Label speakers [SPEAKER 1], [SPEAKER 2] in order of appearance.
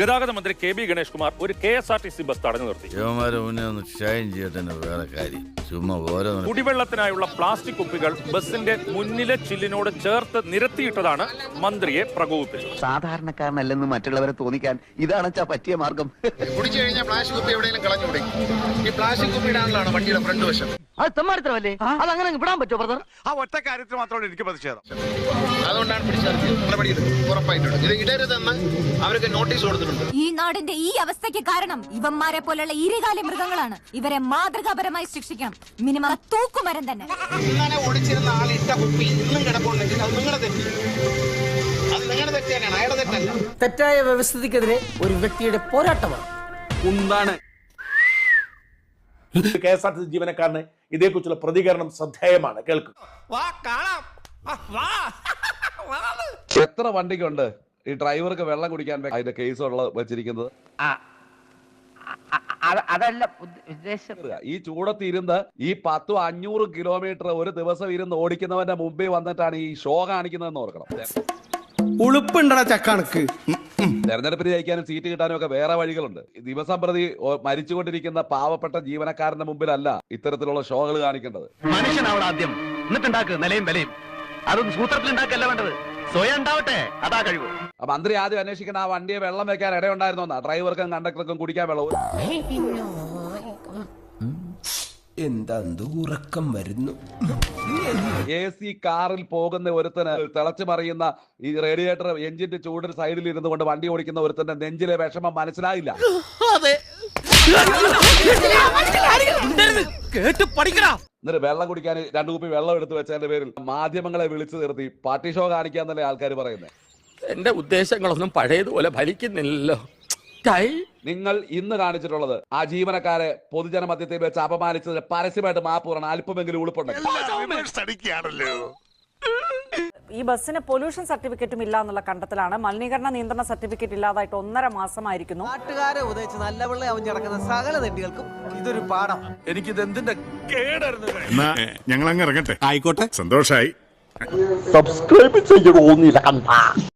[SPEAKER 1] ഗതാഗത മന്ത്രി K B Ganesh Kumar ഒരു KSRTC ബസ് തടഞ്ഞു നിർത്തി. കുടിവെള്ളത്തിനായുള്ള പ്ലാസ്റ്റിക് കുപ്പികൾ ബസിന്റെ മുന്നിലെ ചില്ലിനോട് ചേർത്ത് നിരത്തിയിട്ടതാണ് മന്ത്രിയെ പ്രകോപിപ്പിച്ചത്.
[SPEAKER 2] സാധാരണക്കാരനല്ലെന്ന് മറ്റുള്ളവരെ തോന്നിക്കാൻ ഇതാണ് പറ്റിയ മാർഗം.
[SPEAKER 3] കുടിച്ചു കഴിഞ്ഞാൽ പ്ലാസ്റ്റിക് കുപ്പി എവിടെയെങ്കിലും കളഞ്ഞുകൂടെ? ഈ പ്ലാസ്റ്റിക് കുപ്പി ഇടാനുള്ളതാണ് വണ്ടിയുടെ ഫ്രണ്ട് വശം.
[SPEAKER 2] അത് തെമ്മാടിത്തരമല്ലേ? അതങ്ങനെ വിടാൻ പറ്റുമോ ബ്രദർ?
[SPEAKER 4] ആ ഒറ്റ കാര്യത്തിൽ മാത്രമാണ് എനിക്ക് പ്രതിഷേധം.
[SPEAKER 3] അതുകൊണ്ടാണ് പിടിച്ചത്. ഉറപ്പായിട്ടുണ്ട് ഇത് ഇടരുതെന്ന് അവർക്ക് നോട്ടീസ് കൊടുത്തിട്ടുണ്ട്.
[SPEAKER 5] ഈ നാടിന്റെ ഈ അവസ്ഥയ്ക്ക് കാരണം ഇവന്മാരെ പോലുള്ള ഇരുകാലി മൃഗങ്ങളാണ്. ഇവരെ മാതൃകാപരമായി ശിക്ഷിക്കണം. മിനിമം തൂക്കുമരം തന്നെ.
[SPEAKER 3] ഇങ്ങനെ ഓടിച്ചിരുന്ന ആൾ ഇട്ട കുപ്പി ഇന്നും കിടപ്പുണ്ടെങ്കിൽ അത് നിങ്ങളുടെ തെറ്റ്. അത് നിങ്ങളുടെ തെറ്റ് തന്നെയാണ്, അയാളുടെ തെറ്റല്ല.
[SPEAKER 6] തെറ്റായ വ്യവസ്ഥിതിക്കെതിരെ ഒരു വ്യക്തിയുടെ പോരാട്ടമാണ്.
[SPEAKER 7] എന്താണ് KSRTC ജീവനക്കാരന് ഇതേക്കുറിച്ചുള്ള പ്രതികരണം ശ്രദ്ധേയമാണ്. കേൾക്കുക.
[SPEAKER 8] എത്ര വണ്ടിക്കുണ്ട് ഈ ഡ്രൈവർക്ക് വെള്ളം കുടിക്കാൻ അതിന്റെ കേസ് വെച്ചിരിക്കുന്നത്?
[SPEAKER 2] അതല്ല ഉദ്ദേശം.
[SPEAKER 8] ഈ ചൂടത്ത് ഇരുന്ന് ഈ 10-500 കിലോമീറ്റർ ഒരു ദിവസം ഇരുന്ന് ഓടിക്കുന്നവന്റെ മുമ്പിൽ വന്നിട്ടാണ് ഈ ഷോ കാണിക്കുന്നതെന്ന് ഓർക്കണം.
[SPEAKER 6] ഉളുപ്പുണ്ടടാ ചക്കണക്ക്.
[SPEAKER 8] തെരഞ്ഞെടുപ്പിന് ജയിക്കാനും സീറ്റ് കിട്ടാനും ഒക്കെ വേറെ വഴികളുണ്ട്. ദിവസം പ്രതി മരിച്ചുകൊണ്ടിരിക്കുന്ന പാവപ്പെട്ട ജീവനക്കാരന്റെ മുമ്പിലല്ല ഇത്തരത്തിലുള്ള ഷോകൾ കാണിക്കേണ്ടത്.
[SPEAKER 2] മനുഷ്യനാവണം ആദ്യം, എന്നിട്ടുണ്ടാക്കുക നിലയും വിലയും. അതൊന്നും സൂത്രത്തിൽ ഉണ്ടാക്കല്ല വേണ്ടത്, സ്വയം ഉണ്ടാവട്ടെ. അതാ കഴിവ്.
[SPEAKER 8] മന്ത്രി ആദ്യം അന്വേഷിക്കുന്ന ആ വണ്ടിയെ വെള്ളം വെക്കാൻ ഇടയുണ്ടായിരുന്നോന്നാ? ഡ്രൈവർക്കും കണ്ടക്ടർക്കും കുടിക്കാൻ വെള്ളവും.
[SPEAKER 6] എന്താ ഉറക്കം വരുന്നു.
[SPEAKER 8] AC കാറിൽ പോകുന്ന ഒരുത്തന് തിളച്ചു മറിയുന്ന ഈ റേഡിയേറ്റർ എഞ്ചിന്റെ ചൂടിന് സൈഡിൽ ഇരുന്നു കൊണ്ട് വണ്ടി ഓടിക്കുന്ന ഒരുത്തന്റെ നെഞ്ചിലെ വിഷമം മനസ്സിലായില്ല. എന്നിട്ട് വെള്ളം കുടിക്കാൻ 2 കുപ്പി വെള്ളം എടുത്തു വെച്ചതിന്റെ പേരിൽ മാധ്യമങ്ങളെ വിളിച്ചു നിർത്തി പാർട്ടി ഷോ കാണിക്കാന്നല്ലേ ആൾക്കാർ പറയുന്നത്.
[SPEAKER 7] എന്റെ ഉദ്ദേശങ്ങളൊന്നും പഴയതുപോലെ ഫലിക്കുന്നില്ലല്ലോ.
[SPEAKER 8] നിങ്ങൾ ഇന്ന് കാണിച്ചിട്ടുള്ളത് ആ ജീവനക്കാരെ പൊതുജന മധ്യത്തിൽ വെച്ച് അപമാനിച്ചതിന് പരസ്യമായിട്ട് മാപ്പ് പറയണം. അല്പമെങ്കിലും ഉളുപ്പുണ്ടെങ്കിൽ.
[SPEAKER 9] ഈ ബസ്സിന് പൊല്യൂഷൻ സർട്ടിഫിക്കറ്റും ഇല്ല എന്നുള്ള കണ്ടെത്തലാണ്. മലിനീകരണ നിയന്ത്രണ സർട്ടിഫിക്കറ്റ് ഇല്ലാതായിട്ട് 1.5 മാസമായിരിക്കുന്നു.
[SPEAKER 6] നാട്ടുകാരെ ഉദയിച്ച് നല്ല വെള്ളം അവൻ നടക്കുന്ന സകല തെണ്ടികൾക്കും ഇതൊരു പാഠം.
[SPEAKER 4] എനിക്കിത് എന്തിന്റെ കേടായിരുന്നു.
[SPEAKER 10] ഞങ്ങൾ അങ്ങ് ഇറങ്ങട്ടെ. ആയിക്കോട്ടെ, സന്തോഷായി.
[SPEAKER 2] സബ്സ്ക്രൈബ് ചെയ്യണമെന്നില്ല.